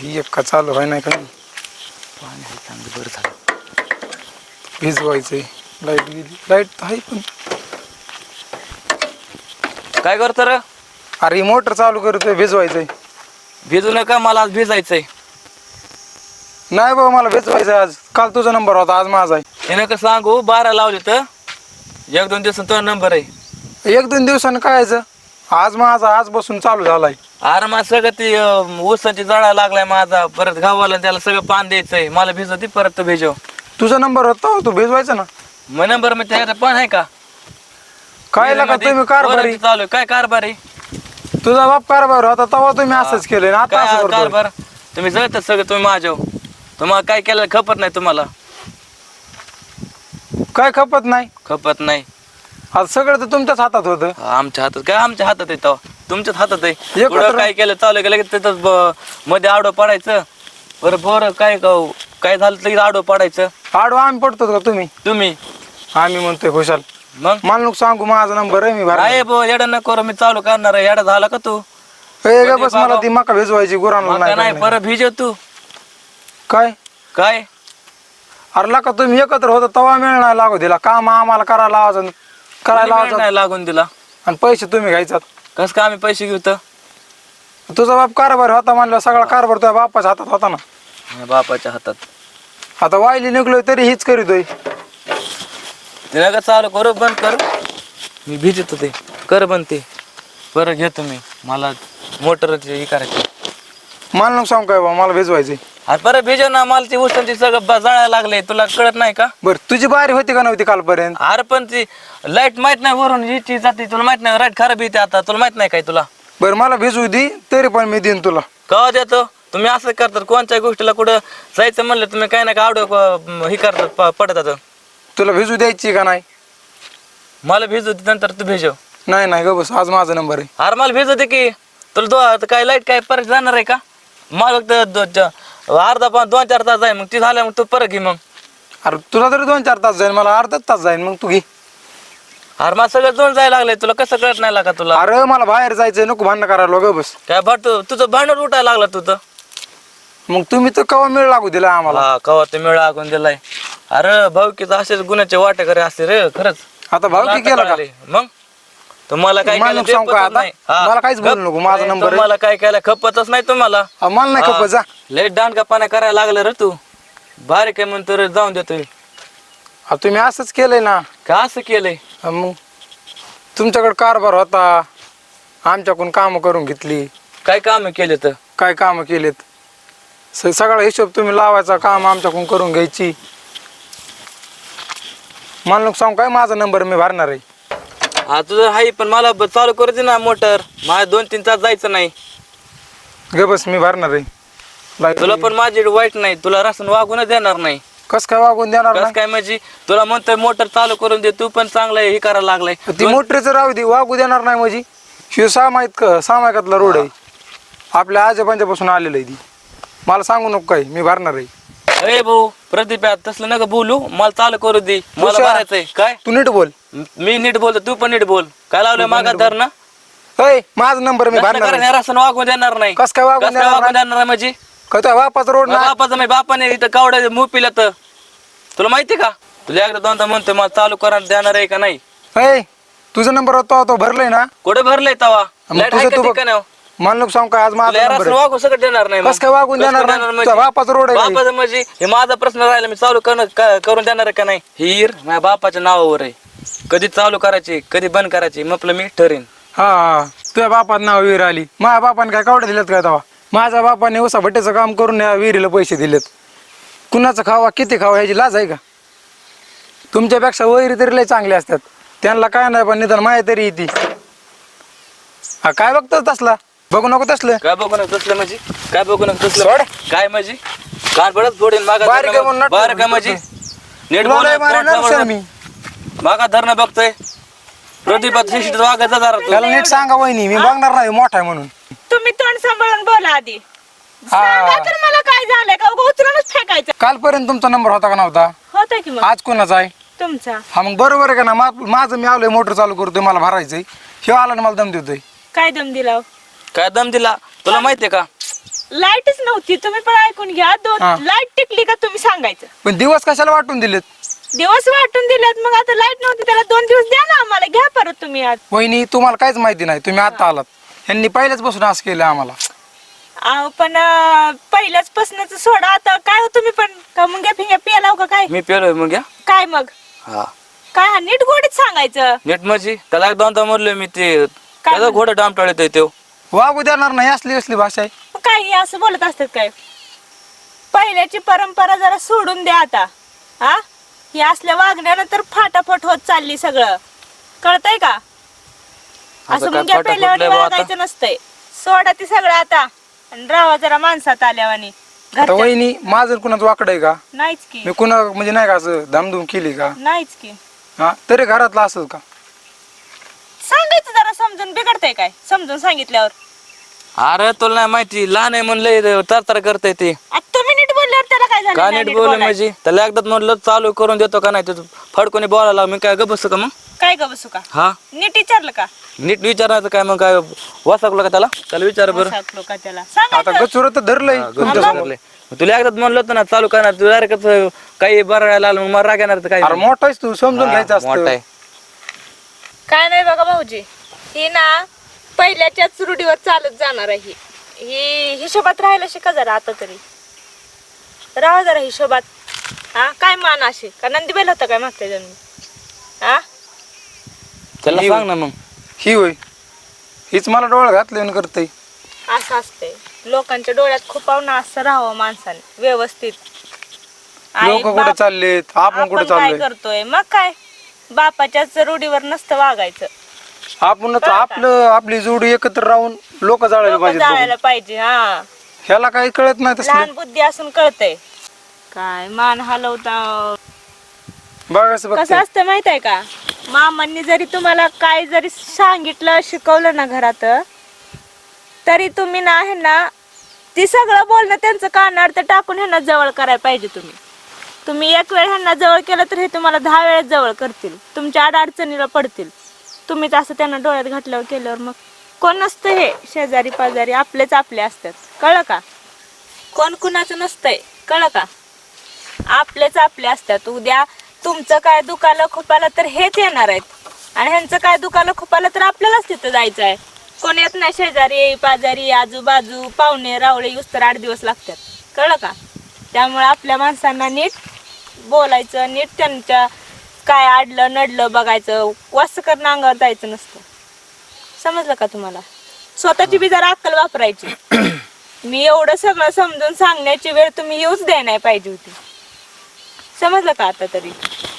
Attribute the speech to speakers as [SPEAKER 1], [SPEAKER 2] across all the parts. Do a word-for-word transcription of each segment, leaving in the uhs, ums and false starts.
[SPEAKER 1] ही एक का चालू आहे नाही का
[SPEAKER 2] पाणी आहे चांगलं बरं झालं.
[SPEAKER 1] भिजवायचंय. लाईट गेली. लाईट आहे पण
[SPEAKER 2] काय करतो रे?
[SPEAKER 1] अरे ही मोटर चालू करतोय भिजवायचंय.
[SPEAKER 2] भिजू नका मला आज भिजायचंय.
[SPEAKER 1] नाही बाबा मला भिजवायचंय आज. काल तुझा नंबर होता आज माझा आहे.
[SPEAKER 2] हे नका सांगू बारा लावले तर एक दोन दिवसांनी तो नंबर आहे.
[SPEAKER 1] एक दोन दिवसानं कायचं आज माझा आज बसून चालू झालाय.
[SPEAKER 2] अरे मला सगळं ती अं, ऊसाची जळा लागलाय माझा. परत गावाला त्याला सगळं पान द्यायचंय. मला भिजवती परत तो भिजव.
[SPEAKER 1] तुझा नंबर होता तू भिजवायचा ना.
[SPEAKER 2] मग नंबर मध्ये त्याचा पण आहे का?
[SPEAKER 1] काय लागा तुम्ही कारभारी
[SPEAKER 2] चालू आहे. काय कारभार आहे?
[SPEAKER 1] तुझा बाप कारभार होता तेव्हा तुम्ही असंच केलं आता
[SPEAKER 2] काय
[SPEAKER 1] असं करतोय.
[SPEAKER 2] कारभार? तुम्ही जळतात सगळं तुम्ही माझ्या. तुम्हाला काय केलं खपत नाही तुम्हाला.
[SPEAKER 1] काय खपत नाही.
[SPEAKER 2] खपत नाही.
[SPEAKER 1] आज सगळं तर तुमच्याच हातात होतं.
[SPEAKER 2] आमच्या हातात काय आमच्या हातात आहे तेव्हा तुमच्याच हातात आहे.
[SPEAKER 1] एकत्र-
[SPEAKER 2] पुढं काय केलं चालू केलं की तिथं ब- मध्ये आडो पडायचं. बरं बरं काय क- काय झालं तर आडो पडायचं.
[SPEAKER 1] आडवा आम्ही पडतो का तुम्ही.
[SPEAKER 2] तुम्ही
[SPEAKER 1] आम्ही म्हणतोय खुशाल
[SPEAKER 2] मग
[SPEAKER 1] मला नको सांगू माझा नंबर आहे मी भरणार.
[SPEAKER 2] आहे बो येडा न करू मी चालू करणार आहे. येडा झाला का तू?
[SPEAKER 1] ए ग बस मला ती मका भिजवायची गुरांना
[SPEAKER 2] मका
[SPEAKER 1] नाही
[SPEAKER 2] नाही
[SPEAKER 1] काय
[SPEAKER 2] परत भिजव तू.
[SPEAKER 1] काय
[SPEAKER 2] काय
[SPEAKER 1] अरे का तुम्ही एकत्र होता तवा मिळणार लागू दिला काम आम्हाला करायला लावायचं करायला
[SPEAKER 2] कोणी
[SPEAKER 1] लावायचं
[SPEAKER 2] नाही लागून दिला.
[SPEAKER 1] आणि पैसे तुम्ही घ्यायचात.
[SPEAKER 2] कस का आम्ही पैसे घेऊ तर?
[SPEAKER 1] तुझा बाप कारभार होता म्हणलं सगळा कारभार तुझ्या बापाच्या हातात होता ना.
[SPEAKER 2] माझ्या बापाच्या हातात.
[SPEAKER 1] आता वायली निघलोय तरी हीच करीतोय.
[SPEAKER 2] तिला का चालू करू बंद कर. मी भिजत ते कर बंद ते परत घेतो मी. मला मोटर हे करायची.
[SPEAKER 1] मला नको सांगू काय बा मला भिजवायचंय.
[SPEAKER 2] अरे परत भिजव ना. मला ती उसांची सगळं ब- जळायला लागले. तुला कळत नाही का?
[SPEAKER 1] बर तुझी बारी होती का नव्हती कालपर्यंत.
[SPEAKER 2] अरे पण ती लाईट माहित नाही वरून हिची जाते. तुला माहित नाही लाईट खराब येते आता. तुला माहित नाही काय तुला?
[SPEAKER 1] बर मला भिजवू दे तरी पण मी देईन तुला.
[SPEAKER 2] का देतो तुम्ही असं करतात? कोणत्याही गोष्टीला कुठं जायचं म्हणलं तुम्ही काय ना काय आवड हे करतात प- पडतात.
[SPEAKER 1] तुला भिजू द्यायची का नाही.
[SPEAKER 2] मला भिजू दे नंतर तू भिजव.
[SPEAKER 1] नाही नाही ग बस आज माझा नंबर आहे.
[SPEAKER 2] अरे मला भिजू दे की. तुला दो आता काय लाईट काय परत जाणार आहे का? मला फक्त दो- ज- अर्धा पाच दोन चार तास जाईल. मग ती झाल्या मग तू परत घे मग.
[SPEAKER 1] अरे तुला तरी दोन चार तास जाईल मला अर्धा तास जाईल मग तू घे.
[SPEAKER 2] अरे मला सगळं जोड जायला लागलंय. तुला कसं कळत नाही लागा तुला?
[SPEAKER 1] अरे मला बाहेर जायचंय नको भांडण करायला ग बस.
[SPEAKER 2] काय भाटू तुझं भांडण उठायला लागला तुझं.
[SPEAKER 1] मग तुम्ही तर कवा मिळ लागू दिला आम्हाला.
[SPEAKER 2] हा कवा ते मेळा आखून दिलाय. अरे भाऊकीचं असेच गुन्ह्याचे वाटे करे असते रे खरंच.
[SPEAKER 1] आता भाऊ की केला का.
[SPEAKER 2] मग तुम्हाला काय
[SPEAKER 1] मला
[SPEAKER 2] केलं
[SPEAKER 1] नको
[SPEAKER 2] ते
[SPEAKER 1] सांगू का
[SPEAKER 2] पटत
[SPEAKER 1] आता?
[SPEAKER 2] नाही. हा.
[SPEAKER 1] मला काहीच बोलू नको, माझा
[SPEAKER 2] नाही,
[SPEAKER 1] नंबर आहे.
[SPEAKER 2] तुम्हाला काय केलं खपतच नाही तुम्हाला.
[SPEAKER 1] अ, मला नाही खपत जा.
[SPEAKER 2] लय दांडका पाण्या करायला लागलं रे तू. बारीक आहे म्हणतो रे जाऊन देतोय.
[SPEAKER 1] अ, तुम्ही असंच केलंय ना.
[SPEAKER 2] का असं केलंय?
[SPEAKER 1] अ, मग तुमच्याकडे कारभार होता आमच्याकडून काम करून घेतली.
[SPEAKER 2] काय काम केले तर?
[SPEAKER 1] काय काम केलेत स- सगळा हिशोब तुम्ही लावायचा काम आमच्याकडून करून घ्यायची. मला नको सांगू काय माझा नंबर मी भरणार आहे.
[SPEAKER 2] हा तुझं हाय पण मला ब- चालू करू दे ना मोटर. माझ्या दोन तीन तास जायचं नाही.
[SPEAKER 1] ग बस मी भरणार आहे. लाईट-
[SPEAKER 2] तुला पण माझी वाईट नाही. तुला रसन वागूनच देणार नाही.
[SPEAKER 1] कस काय वागून देणार
[SPEAKER 2] कस
[SPEAKER 1] ना.
[SPEAKER 2] काय म्हणजे तुला म्हणतोय मोटर चालू करून दे. तू पण चांगलं हे करायला लागलाय.
[SPEAKER 1] ती मोटरीचं राहू दे वागू देणार नाही म्हणजे शिव सामायिक सामायिकातला रोड आहे आपल्या आजोबांच्यापासून आलेलं आहे ती. मला सांगू नको काय मी भरणार आहे.
[SPEAKER 2] अरे भाऊ प्रदीप यार, तसलं नका बोलू. मला चालू करू दे. मला
[SPEAKER 1] हुशार.
[SPEAKER 2] भरायचंय काय.
[SPEAKER 1] तू नीट बोल.
[SPEAKER 2] मी नीट बोलतो तू पण नीट बोल. काय लावलं मागा धर ना.
[SPEAKER 1] अय माझा नंबर मी भरणार आहे.
[SPEAKER 2] रसन वागून देणार नाही.
[SPEAKER 1] कस काय वागून
[SPEAKER 2] कसं काय
[SPEAKER 1] देणार
[SPEAKER 2] वागून
[SPEAKER 1] नाही?
[SPEAKER 2] देणार नाही म्हणजे
[SPEAKER 1] काय तुझ्या बापाचा रोड ना.
[SPEAKER 2] बापाचं नाही. बापाने इथं कावड्या मूग पिल्या तर तुला माहिती का? तुला एकदा दोनदा म्हणतोय मला चालू करायला देणार आहे का नाही.
[SPEAKER 1] अय तुझा नंबर होता तो भरलाय ना.
[SPEAKER 2] कुठे भरलंय तवा?
[SPEAKER 1] मग
[SPEAKER 2] लाईट
[SPEAKER 1] तुझं
[SPEAKER 2] आहे
[SPEAKER 1] तू
[SPEAKER 2] का
[SPEAKER 1] बघ.
[SPEAKER 2] ठिकाणी?
[SPEAKER 1] मला नको सांगू काय आज माझा
[SPEAKER 2] तुला
[SPEAKER 1] नंबर
[SPEAKER 2] रसन
[SPEAKER 1] आहे.
[SPEAKER 2] वागून सगळं देणार नाही.
[SPEAKER 1] कसं काय वागून देणार नाही? तुझ्या बापाचा रोड आहे का?
[SPEAKER 2] बापाचं म्हणजे हे माझा प्रश्न राहिला. मी चालू करणं क- करून देणार आहे का नाही. हिर माझ्या बापाच्या नावावर आहे. कधी चालू करायची कधी बंद करायची म्हटलं मी ठरेन.
[SPEAKER 1] हा हा तुझ्या बापात नाव विहीर आली. माझ्या बापाने काय कावडे दिलेत काय तेव्हा. माझ्या बापाने उसा भट्टीचं काम करून या विहिरीला पैसे दिलेत. कुणाचं खावा किती खावा ह्याची लाज आहे का. तुमच्यापेक्षा वैरी तरी लय चांगले असतात. त्यांना काय नाही पण निदान माया तरी येते. हा काय बघतोस तसला बघू नको तसलं.
[SPEAKER 2] काय बघू नका तसलं म्हणजे काय बघू नका
[SPEAKER 1] सोड.
[SPEAKER 2] तसलं काय म्हणजे कान पडत फोडेन मागा
[SPEAKER 1] बारीक आहे म्हणून नाटक
[SPEAKER 2] बारीक आहे म्हणजे नीट
[SPEAKER 1] तुला
[SPEAKER 2] बोल.
[SPEAKER 1] लय मारेल ना सर मी.
[SPEAKER 2] मागा धरणं बघतोय. प्रदीपात शिशित वागायचा जरा तू.
[SPEAKER 1] त्याला नीट सांगा वहिनी मी बघणार नाही मोठा आहे म्हणून.
[SPEAKER 3] तुम्ही तोंड सांभाळून बोला आधी.
[SPEAKER 1] हा.
[SPEAKER 3] सांगा तर मला काय झालंय का उगा उचलूनच फेकायचं.
[SPEAKER 1] कालपर्यंत तुमचा नंबर होता का नव्हता.
[SPEAKER 3] होता की मग
[SPEAKER 1] आज कोणाचा आहे.
[SPEAKER 3] तुमचा.
[SPEAKER 1] हा मग बरोबर आहे का ना. मा- माझं मी आलोय मोटर चालू करतोय मला भरायचंय. हे आला ना मला दम देतोय.
[SPEAKER 3] काय दम दिला हो?
[SPEAKER 2] काय दम दिला तुला माहितीये का?
[SPEAKER 3] लाईटच नव्हती. तुम्ही पण ऐकून घ्या.
[SPEAKER 1] हा.
[SPEAKER 3] दोन लाईट टिकली का तुम्ही सांगायचं.
[SPEAKER 1] पण दिवस कशाला वाटून दिलेत?
[SPEAKER 3] दिवस वाटून दिलेत मग आता लाईट नव्हती त्याला दोन दिवस द्या ना आम्हाला. घ्या परत तुम्ही आज.
[SPEAKER 1] वहिनी तुम्हाला काहीच माहिती नाही, तुम्ही आता आलात. यांनी पहिल्याच बसून असं केलं आम्हाला.
[SPEAKER 3] अहो पण अं, पहिल्याच पासूनच सोडा आता. काय हो तुम्ही पण का मुंग्या फिंग्या पियालाव का काय?
[SPEAKER 2] मी पेलोय मग या
[SPEAKER 3] काय मग
[SPEAKER 2] हा
[SPEAKER 3] काय हा नीट गोडीत सांगायचं.
[SPEAKER 2] नीट माझी त्याला एक दोनदा म्हणलोय मी ते त्याचा
[SPEAKER 3] म्हणलं?
[SPEAKER 2] घोडा डामटाळ येतोय तो.
[SPEAKER 1] वागू देणार नाही असली असली भाषा आहे.
[SPEAKER 3] मग काय हे असं बोलत असतात काय? पहिल्याची परंपरा जरा सोडून द्या आता. हा हे असल्या वागण्यानं तर फाटाफट होत चालली सगळं. कळतंय का? असं
[SPEAKER 2] काय
[SPEAKER 3] मुंग्या
[SPEAKER 2] फाटाफट
[SPEAKER 3] पेल्यावानी
[SPEAKER 2] लय बा आता.
[SPEAKER 3] वागायचं नसतंय. सोडा ती सगळं आता आणि राहा जरा माणसात आल्यावानी.
[SPEAKER 1] आता
[SPEAKER 3] घरच्या
[SPEAKER 1] वहिनी माझं कुणाचं वाकड आहे का?
[SPEAKER 3] नाहीच की
[SPEAKER 1] मी कुणा म्हणजे नाही का असं धामधूम केली का?
[SPEAKER 3] नाहीच की
[SPEAKER 1] हा तरी घरातलं असं का?
[SPEAKER 3] सांगायचं जरा समजून. बिघडतंय काय समजून सांगितल्यावर?
[SPEAKER 2] अरे तुला नाही माहिती लहान आहे म्हणलंय तरतर करताय ते.
[SPEAKER 3] आता तुम्ही नीट बोलल्यावर त्याला काय झालं?
[SPEAKER 2] का
[SPEAKER 3] नाही
[SPEAKER 2] नीट
[SPEAKER 3] नीट
[SPEAKER 2] बोल
[SPEAKER 3] बोलायचं.
[SPEAKER 2] म्हणजे त्याला एकदाच म्हणलं चालू करून देतो का नाही तुझं फडकोनी बोलायला मी काय ग बसतो का मग?
[SPEAKER 3] काय ग बसू का?
[SPEAKER 2] हा
[SPEAKER 3] नीट विचारलं का?
[SPEAKER 2] नीट विचारायचं काय मग काय वाचकलं का त्याला? त्याला विचार बरं.
[SPEAKER 3] वसाकलो का त्याला?
[SPEAKER 1] आता
[SPEAKER 3] सांगायचं.
[SPEAKER 1] गचुर तर धरलंय
[SPEAKER 2] हा,
[SPEAKER 1] तुमच्या
[SPEAKER 2] गप्प
[SPEAKER 1] समोर.
[SPEAKER 2] धरलंय. मग तुला एकदाच म्हणलं होतं ना चालू करणार तू डायरेक्ट काही बरं आलं मग मला राग येणार तर काय
[SPEAKER 1] अरे मोठा आहेस तू, समजून
[SPEAKER 2] हा,
[SPEAKER 1] घ्यायचं
[SPEAKER 2] मोठा
[SPEAKER 1] असतं.
[SPEAKER 2] आहे.
[SPEAKER 3] काय नाही बघा भाऊजी. ही ना पहिल्याच्याच रूढीवर चालत जाणार आहे. ही हिशोबात राहायला शिका जरा आता तरी. राहा जरा हिशोबात. हा काय मान असे का नंदीबेल होता काय मागच्या जन्मी? हा
[SPEAKER 2] त्याला
[SPEAKER 1] ही-
[SPEAKER 2] सांग ना मग.
[SPEAKER 1] ही होय हीच मला डोळा घातले करते.
[SPEAKER 3] असं असतंय. लोकांच्या डोळ्यात खुपावणं असं राहावं माणसाने व्यवस्थित. आई
[SPEAKER 1] लोक कुठे
[SPEAKER 3] बाप-
[SPEAKER 1] चाललेत, आपण कुठे
[SPEAKER 3] आपण काय
[SPEAKER 1] चाललोय?
[SPEAKER 3] करतोय मग काय? बापाच्याच रूढीवर नसतं वागायचं.
[SPEAKER 1] आपणच आपलं आपली जोडी एकत्र राहून लोक जाळायला
[SPEAKER 3] लोकं
[SPEAKER 1] पाहिजे.
[SPEAKER 3] जाळायला पाहिजे. हा
[SPEAKER 1] ह्याला काही कळत नाही तसलं.
[SPEAKER 3] लहान बुद्धी असून कळतंय. काय मान हलवता.
[SPEAKER 1] बघा असं
[SPEAKER 3] कसं
[SPEAKER 1] बघते.
[SPEAKER 3] असतं माहित आहे का? मामांनी जरी तुम्हाला काय जरी सांगितलं शिकवलं ना घरात, तरी तुम्ही ना ह्यांना ती सगळं बोलणं त्यांचं कानावर तर टाकून ह्यांना जवळ करायला पाहिजे. तुम्ही तुम्ही एक वेळ ह्यांना जवळ केलं तर हे तुम्हाला दहा वेळेस जवळ करतील. तुमच्या आड अडचणीला पडतील. तुम्हीच असं त्यांना डोळ्यात घातल्यावर केल्यावर मग कोण नसतं हे शेजारी पाजारी आपलेच आपले असतात. कळलं का? कोण कुणाचं नसतंय. कळलं का? आपलेच आपले असतात. उद्या तुमचं काय दुखालं खुपालं तर हेच येणार आहेत आणि ह्यांचं काय दुखालं खुपालं तर आपल्यालाच तिथं जायचं आहे. कोण येत नाही. शेजारी पाजारी आजूबाजू पाहुणे रावळे येऊस तर आठ दिवस लागतात. कळलं का? त्यामुळे आपल्या माणसांना नीट बोलायचं. नीट त्यांच्या काय आडलं नडलं बघायचं. वास करणं अंगावर जायचं नसतं. समजलं का तुम्हाला? स्वतःची बी जरा अक्कल वापरायची. मी एवढं सगळं समजून सांगण्याची वेळ तुम्ही येऊच द्याय नाही पाहिजे होती. समजलं का आता तरी?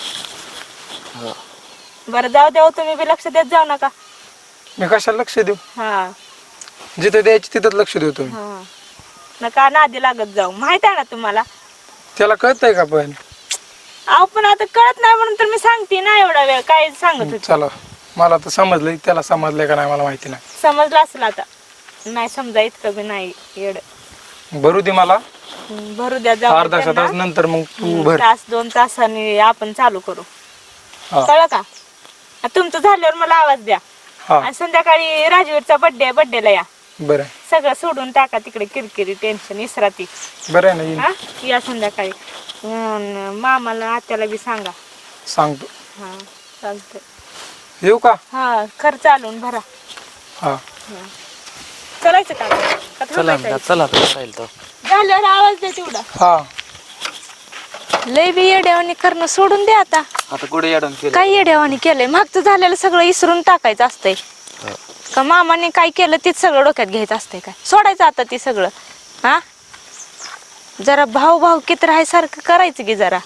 [SPEAKER 3] बरं जाऊ द्या. तुम्ही बी लक्ष देत जाऊ नका.
[SPEAKER 1] मी कशाला लक्ष देऊ?
[SPEAKER 3] हा
[SPEAKER 1] जिथे द्यायची तिथंच लक्ष देऊ तुम्ही.
[SPEAKER 3] हा नका नादी लागत जाऊ. माहित आहे ना तुम्हाला?
[SPEAKER 1] त्याला कळतंय का पण?
[SPEAKER 3] अहो पण आता कळत नाही म्हणून तर मी सांगते ना एवढा वेळ. काय सांगत होते?
[SPEAKER 1] चला मला तर समजलंय, त्याला समजलंय का नाही मला माहिती नाही.
[SPEAKER 3] समजलं असेल आता. नाही समजा इतकं बी नाही येड.
[SPEAKER 1] भरू दे मला
[SPEAKER 3] हम्म, भरू द्या. जाऊ
[SPEAKER 1] अर्धा
[SPEAKER 3] द्या
[SPEAKER 1] तास
[SPEAKER 3] त्यांना.
[SPEAKER 1] नंतर मग तू
[SPEAKER 3] हम्म,
[SPEAKER 1] भर.
[SPEAKER 3] तास दोन तासांनी आपण चालू करू.
[SPEAKER 1] हा.
[SPEAKER 3] कळलं का? आ, तुमचं झाल्यावर मला आवाज द्या.
[SPEAKER 1] हा
[SPEAKER 3] आणि संध्याकाळी राजवीरचा बर्थडे आहे. बर्थडेला या.
[SPEAKER 1] बरं
[SPEAKER 3] सगळं सोडून टाका तिकडे किरकिरी टेन्शन इसराती.
[SPEAKER 1] बरं आहे ना, येईन.
[SPEAKER 3] हा या संध्याकाळी. अन मामाला आत्याला बी सांगा.
[SPEAKER 1] सांगतो.
[SPEAKER 3] हा चालतंय.
[SPEAKER 1] येऊ का?
[SPEAKER 3] हा खर्च चालून भरा.
[SPEAKER 1] हा
[SPEAKER 3] चलायचं का? का
[SPEAKER 2] चला
[SPEAKER 3] थांबायचं?
[SPEAKER 2] चला राहील तो.
[SPEAKER 3] झाल्यावर आवाज द्या तेवढा.
[SPEAKER 1] हा
[SPEAKER 3] लय बी येड्यावानी करणं सोडून द्या आता.
[SPEAKER 2] आता कुठे येडून केलं?
[SPEAKER 3] काय येड्यावानी केलंय? मागचं झालेलं सगळं इसरून टाकायचं असतंय का? मामाने काय केलं तीच सगळं डोक्यात घ्यायचं असतंय काय? सोडायचं आता ती सगळं. हा जरा भाऊ भाऊ किती राहायसारखं करायचं की जरा.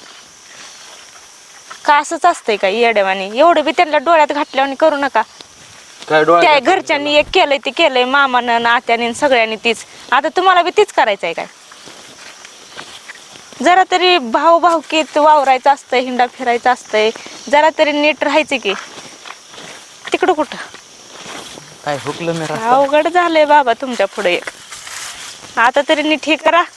[SPEAKER 3] का असंच असतंय का येड्यावानी? एवढं बी त्यांना डोळ्यात घातल्यावानी करू नका.
[SPEAKER 2] काय डोळा
[SPEAKER 3] त्या घरच्यांनी एक केलंय ते केलंय. मामानं नात्याने सगळ्यांनी तीच. आता तुम्हाला बी तीच करायचंय काय? जरा तरी भाऊ भाऊकीत वावरायचं असतंय. हिंडा फिरायचं असतंय. जरा तरी नीट राहायचं की. तिकडं कुठं
[SPEAKER 2] काय हुकलं मी
[SPEAKER 3] अवघड झालंय बाबा तुमच्या पुढे. आता तरी नीट हे करा.